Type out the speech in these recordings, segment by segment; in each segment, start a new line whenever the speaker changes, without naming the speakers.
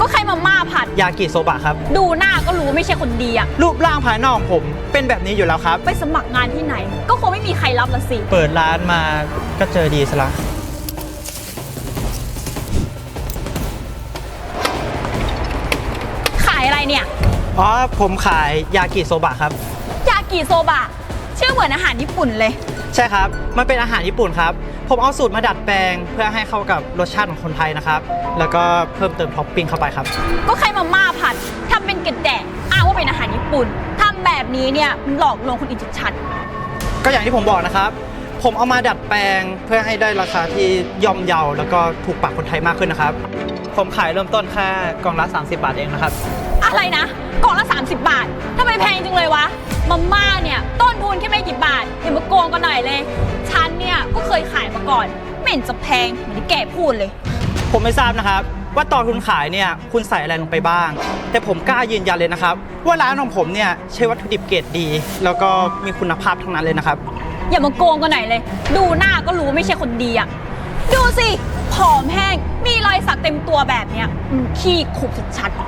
แค่มาม่าผัด
ยากิโซบะครับ
ดูหน้าก็รู้ว่าไม่ใช่คนดีอะ
รูปร่างภายนอกของผมเป็นแบบนี้อยู่แล้วครับ
ไปสมัครงานที่ไหนก็คงไม่มีใครรับละสิ
เปิดร้านมาก็เจอดีซะละ
ขายอะไรเนี่ย
อ๋อผมขายยากิโซบะครับ
ยากิโซบะชื่อเหมือนอาหารญี่ปุ่นเลย
ใช่ครับมันเป็นอาหารญี่ปุ่นครับผมเอาสูตรมาดัดแปลงเพื่อให้เข้ากับรสชาติของคนไทยนะครับแล้วก็เพิ่มเติมท็อปปิ้งเข้าไปครับ
ก็ใครมาม่าผัดทำเป็นกระแดะอ้างว่าเป็นอาหารญี่ปุ่นทำแบบนี้เนี่ยมันหลอกลวงคนอื่นชัด
ๆก็อย่างที่ผมบอกนะครับผมเอามาดัดแปลงเพื่อให้ได้ราคาที่ย่อมเยาแล้วก็ถูกปากคนไทยมากขึ้นนะครับผมขายเริ่มต้นแค่กล่องละ30 บาทเองนะครับ
อะไรนะกล่องละ30 บาททำไมแพงจังเลยวะมาม่าเนี่ยต้นทุนแค่ไม่กี่บาทอย่ามาโกงกันหน่อยเลยฉันเนี่ยก็เคยขายมาก่อนไม่เห็นจะแพงเหมือนที่แกพูดเลย
ผมไม่ทราบนะครับว่าตอนคุณขายเนี่ยคุณใส่อะไรลงไปบ้างแต่ผมกล้ายืนยันเลยนะครับว่าร้านของผมเนี่ยใช้วัตถุดิบเกรดดีแล้วก็มีคุณภาพทั้งนั้นเลยนะครับ
อย่ามาโกงกันหน่อยเลยดูหน้าก็รู้ว่าไม่ใช่คนดีอะดูสิผอมแห้งมีรอยสักเต็มตัวแบบเนี้ยขี้ขุกชัด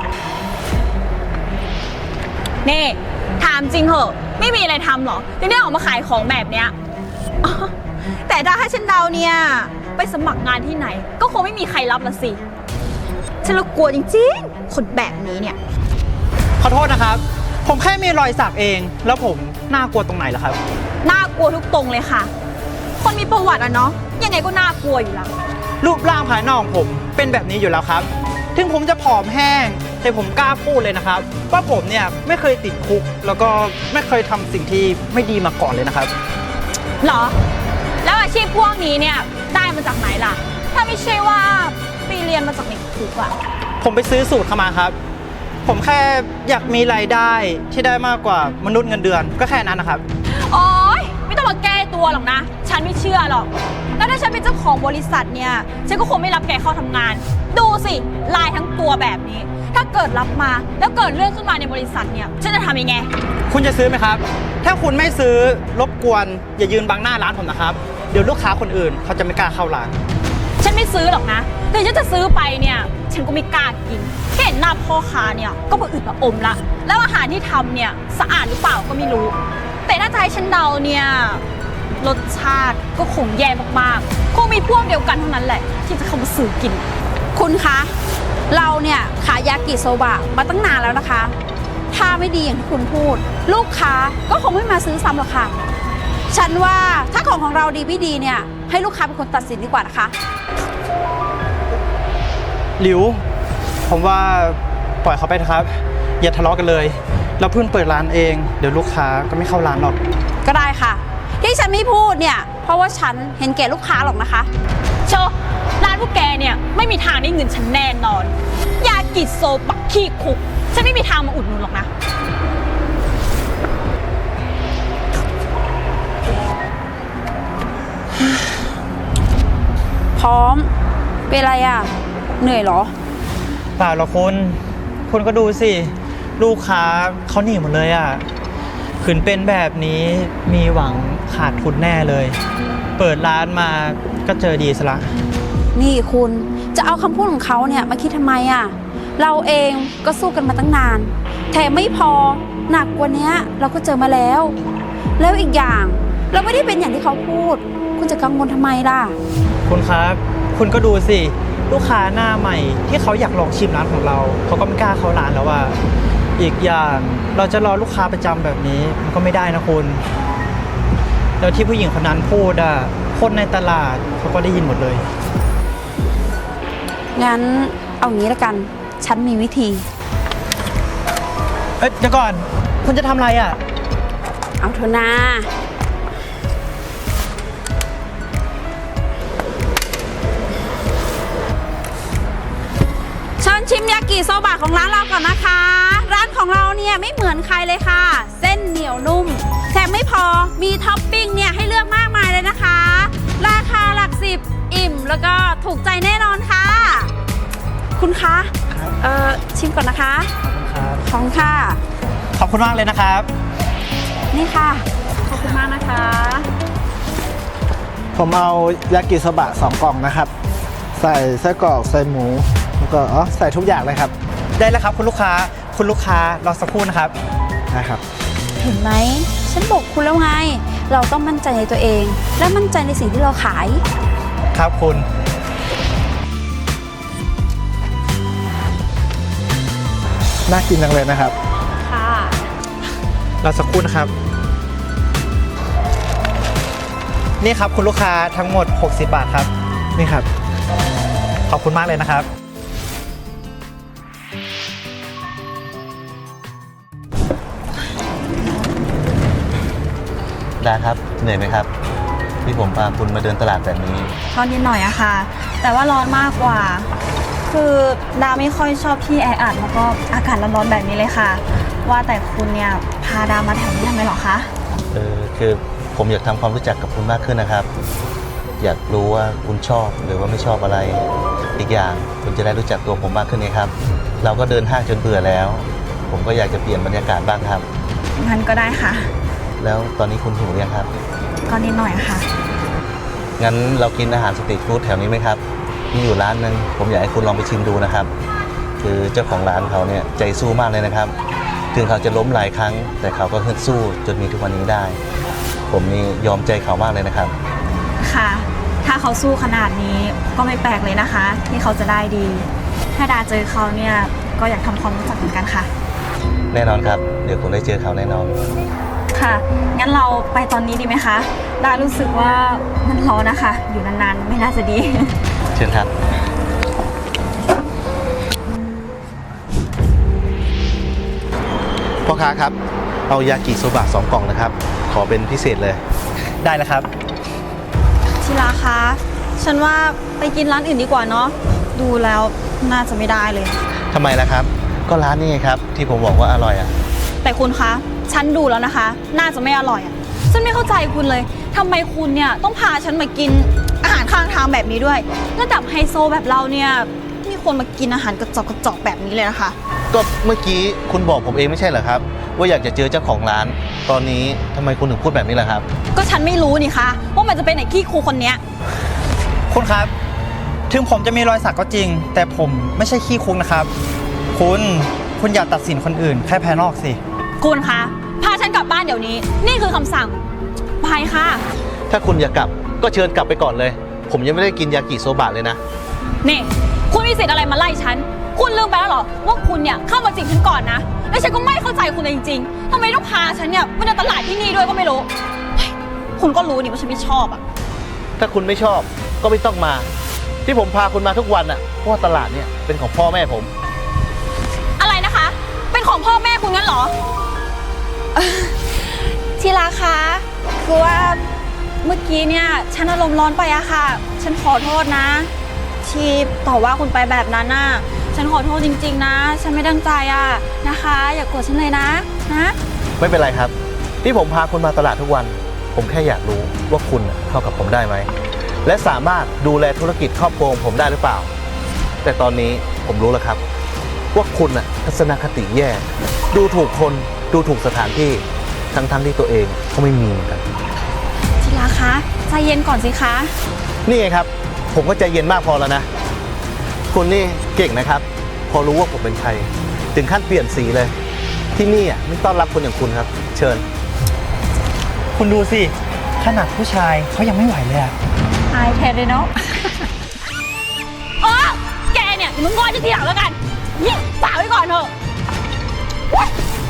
ๆนี่ถามจริงเหอะไม่มีอะไรทำหรอถึงได้ออกมาขายของแบบเนี้ยแต่ถ้าให้ฉันเดาเนี่ยไปสมัครงานที่ไหนก็คงไม่มีใครรับละสิฉันละกลัวจริงๆคนแบบนี้เนี่ย
ขอโทษนะครับผมแค่มีรอยสักเองแล้วผมน่ากลัวตรงไหนล่ะครับ
น่ากลัวทุกตรงเลยค่ะคนมีประวัติอะเนาะยังไงก็น่ากลัวอยู่แล้ว
รูปร่างภายนอกของผมเป็นแบบนี้อยู่แล้วครับถึงผมจะผอมแห้งแต่ผมกล้าพูดเลยนะครับว่าผมเนี่ยไม่เคยติดคุกแล้วก็ไม่เคยทำสิ่งที่ไม่ดีมาก่อนเลยนะครับ
หรอแล้วอาชีพพวกนี้เนี่ยได้มาจากไหนล่ะถ้าไม่ใช่ว่าไปเรียนมาจากในคุกอะ
ผมไปซื้อสูตรเข้ามาครับผมแค่อยากมีรายได้ที่ได้มากกว่ามนุษย์เงินเดือนก็แค่นั้นนะครับ
โอ๊ยไม่ต้องมาแก้ตัวหรอกนะฉันไม่เชื่อหรอกแล้วถ้าฉันเป็นเจ้าของบริษัทเนี่ยฉันก็คงไม่รับแกเข้าทำงานดูสิลายทั้งตัวแบบนี้ถ้าเกิดรับมาแล้วเกิดเรื่องขึ้นมาในบริษัทเนี่ยฉันจะทำยังไง
คุณจะซื้อไหมครับถ้าคุณไม่ซื้อรบกวนอย่ายืนบังหน้าร้านผมนะครับเดี๋ยวลูกค้าคนอื่นเขาจะไม่กล้าเข้าร้าน
ฉันไม่ซื้อหรอกนะถึงฉันจะซื้อไปเนี่ยฉันก็ไม่กล้ากินแค่เห็นหน้าพ่อค้าเนี่ยก็ผะอืดผะอมละแล้วอาหารที่ทำเนี่ยสะอาดหรือเปล่าก็ไม่รู้แต่ถ้าจะให้ฉันเดาเนี่ยรสชาติก็คงแย่มากๆคงมีพวกเดียวกันเท่านั้นแหละที่จะเข้ามาซื้อกิน
คุณคะเราเนี่ยขายยากิโซบะมาตั้งนานแล้วนะคะถ้าไม่ดีอย่างที่คุณพูดลูกค้าก็คงไม่มาซื้อซ้ำหรอกค่ะฉันว่าถ้าของเราดีไม่ดีเนี่ยให้ลูกค้าเป็นคนตัดสินดีกว่านะคะ
หลิวผมว่าปล่อยเขาไปนะครับอย่าทะเลาะกันเลยเราเพิ่งเปิดร้านเองเดี๋ยวลูกค้าก็ไม่เข้าร้านหรอก
ก็ได้ค่ะที่ฉันไม่พูดเนี่ยเพราะว่าฉันเห็นแก่ลูกค้าหรอกนะคะ
โชร้านพวกแกเนี่ยไม่มีทางได้เงินฉันแน่นอนยากิโซบะขี้คุกฉันไม่มีทางมาอุดหนุนหรอกนะ
พร้อมเป็นอะไรอ่ะเหนื่อยเหรอ
เปล่าหรอกคุณก็ดูสิลูกค้าเขาหนีหมดเลยอ่ะขืนเป็นแบบนี้มีหวังขาดทุนแน่เลยเปิดร้านมาก็เจอดีซะละ
นี่คุณจะเอาคำพูดของเขาเนี่ยมาคิดทำไมอ่ะเราเองก็สู้กันมาตั้งนานแถมไม่พอหนักกว่านี้เราก็เจอมาแล้วอีกอย่างเราไม่ได้เป็นอย่างที่เขาพูดคุณจะกังวลทำไมล่ะ
คุณครับคุณก็ดูสิลูกค้าหน้าใหม่ที่เขาอยากลองชิมร้านของเราเขาก็ไม่กล้าเข้าร้านแล้วว่าอีกอย่างเราจะรอลูกค้าประจำแบบนี้มันก็ไม่ได้นะคุณแล้วที่ผู้หญิงคนนั้นพูดอ่ะคนในตลาดเขาก็ได้ยินหมดเลย
งั้นเอางี้ละกันฉันมีวิธี
เดี๋ยวก่อนคุณจะทำอะไรอ่ะ
เอาเถอะนะเชิญชิมยากิโซบะของร้านเราก่อนนะคะร้านของเราเนี่ยไม่เหมือนใครเลยค่ะเส้นเหนียวนุ่มแถมไม่พอมีท็อปปิ้งเนี่ยให้เลือกมากมายเลยนะคะราคาหลักสิบอิ่มแล้วก็ถูกใจแน่นอนค่ะคุณคะชิมก่อนนะคะขอบคุณค่ะ
ขอบคุณมากเลยนะครับ
นี่ค่ะขอบคุณมากนะคะ
ผมเอายากิโซบะ2 กล่องนะครับใส่ไส้กรอกใส่หมูแล้วก็ใส่ทุกอย่างเลยครับ
ได้แล้วครับคุณลูกค้า คุณลูกค้ารอสักครู่นะครับ
นะครับ
เห็นไหม ฉันบอกคุณแล้วไง เราต้องมั่นใจในตัวเอง และมั่นใจในสิ่งที่เราขาย
ครับคุณ
น่ากินจังเลยนะครับ
ค่ะ
รอสักครู่นะครับ นี่ครับคุณลูกค้าทั้งหมด 60 บาทครับ
นี่ครับ
ขอบคุณมากเลยนะครับ
ดาครับเหนื่อยไหมครับที่ผมพาคุณมาเดินตลาดแบบนี้
ก็นิดหน่อยอะค่ะ แต่ว่าร้อนมากกว่า คือดาไม่ค่อยชอบที่แออัดแล้วก็อากาศร้อนๆแบบนี้เลยค่ะ ว่าแต่คุณเนี่ยพาดามาแถวนี้ทำไมหรอคะ
คือผมอยากทำความรู้จักกับคุณมากขึ้นนะครับ อยากรู้ว่าคุณชอบหรือว่าไม่ชอบอะไร อีกอย่างคุณจะได้รู้จักตัวผมมากขึ้นไงครับ เราก็เดินห้างจนเบื่อแล้ว ผมก็อยากจะเปลี่ยนบรรยากาศบ้างครับ
งั้นก็ได้ค่ะ
แล้วตอนนี้คุณหิวหรือยังครับ
ก็นิดหน่อยค่ะ
งั้นเรากินอาหารสตรีทฟู้ดแถวนี้ไหมครับมีอยู่ร้านนึงผมอยากให้คุณลองไปชิมดูนะครับ คือเจ้าของร้านเขาเนี่ยใจสู้มากเลยนะครับ ถึงเขาจะล้มหลายครั้ง แต่เขาก็ฮึดสู้จนมีทุกวันนี้ได้ ผมนี่ยอมใจเขามากเลยนะครับ
ค่ะ ถ้าเขาสู้ขนาดนี้ก็ไม่แปลกเลยนะคะ ที่เขาจะได้ดี ถ้าดาเจอเขาเนี่ยก็อยากทำความรู้จักเหมือนกันค่ะ
แน่นอนครับ เดี๋ยวคุณได้เจอเขาแน่นอน
ค่ะ งั้นเราไปตอนนี้ดีไหมคะ ดารู้สึกว่ามันร้อนนะคะ อยู่นานๆไม่น่าจะดี
เชิญครับ พ่อค้าครับ เอายากิโซบะ2 กล่องนะครับ ขอเป็นพิเศษเลย
ได้แล้วครับ
ทีละคะ ฉันว่าไปกินร้านอื่นดีกว่าเนาะ ดูแล้วน่าจะไม่ได้เลย
ทำไมล่ะครับ ก็ร้านนี้ไงครับ ที่ผมบอกว่าอร่อยอ่ะ
แต่คุณคะ ฉันดูแล้วนะคะ น่าจะไม่อร่อยอ่ะ ฉันไม่เข้าใจคุณเลย ทำไมคุณเนี่ยต้องพาฉันมากินอาหารข้างทางแบบนี้ด้วย ระดับไฮโซแบบเราเนี่ยมีคนมากินอาหารกระจอกแบบนี้เลยนะคะ
ก็เมื่อกี้คุณบอกผมเองไม่ใช่เหรอครับ ว่าอยากจะเจอเจ้าของร้าน ตอนนี้ทำไมคุณถึงพูดแบบนี้ล่ะครับ
ก็ฉันไม่รู้นี่คะว่ามันจะเป็นไอ้ขี้ครูคนเนี้ย
คุณครับ ถึงผมจะมีรอยสักก็จริง แต่ผมไม่ใช่ขี้คุกนะครับ คุณอย่าตัดสินคนอื่นแค่ภายนอกสิ
คุณคะ พาฉันกลับบ้านเดี๋ยวนี้ นี่คือคำสั่ง ไปค่ะ
ถ้าคุณอยากกลับก็เชิญกลับไปก่อนเลย ผมยังไม่ได้กินยากิโซบะเลยนะ
นี่ คุณมีสิทธิ์อะไรมาไล่ฉัน คุณลืมไปแล้วเหรอว่าคุณเนี่ยเข้ามาจีบฉันก่อนนะ แล้วฉันก็ไม่เข้าใจคุณเลยจริงๆทำไมต้องพาฉันเนี่ยมาเดินตลาดที่นี่ด้วยก็ไม่รู้เฮ้ยคุณก็รู้นี่ว่าฉันไม่ชอบอะ
ถ้าคุณไม่ชอบก็ไม่ต้องมา ที่ผมพาคุณมาทุกวันอ่ะเพราะว่าตลาดเนี่ยเป็นของพ่อแม่ผม
อะไรนะคะ เป็นของพ่อแม่คุณงั้นเหรอ ทีละคะคือว่าเมื่อกี้เนี่ยฉันอารมณ์ร้อนไปอะค่ะ ฉันขอโทษนะ ที่ต่อว่าคุณไปแบบนั้นน่ะ ฉันขอโทษจริงๆนะ ฉันไม่ตั้งใจอะนะคะ อย่าโกรธฉันเลยนะ
ไม่เป็นไรครับ ที่ผมพาคุณมาตลาดทุกวัน ผมแค่อยากรู้ว่าคุณเข้ากับผมได้ไหมและสามารถดูแลธุรกิจครอบครัวของผมได้หรือเปล่า แต่ตอนนี้ผมรู้แล้วครับ ว่าคุณน่ะทัศนคติแย่ ดูถูกคนดูถูกสถานที่ทั้งที่ตัวเองก็ไม่มีเหมือนกัน
ทีละคะใจเย็นก่อนสิคะ
นี่ไงครับ ผมก็ใจเย็นมากพอแล้วนะ คุณนี่เก่งนะครับ พอรู้ว่าผมเป็นใคร ถึงขั้นเปลี่ยนสีเลย ที่นี่อ่ะไม่ต้อนรับคนอย่างคุณครับ เชิญ
คุณดูสิ ขนาดผู้ชายเขายังไม่ไหวเลยอะ
อายแทนเลยเนาะ แกเนี่ยมึงงอนจะทีหลังแล้วกัน นี่ฝากไว้ก่อนเถอะ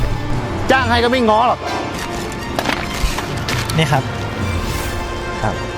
จ้างให้ก็ไม่ง้อหรอก
นี่ครับ
ครับ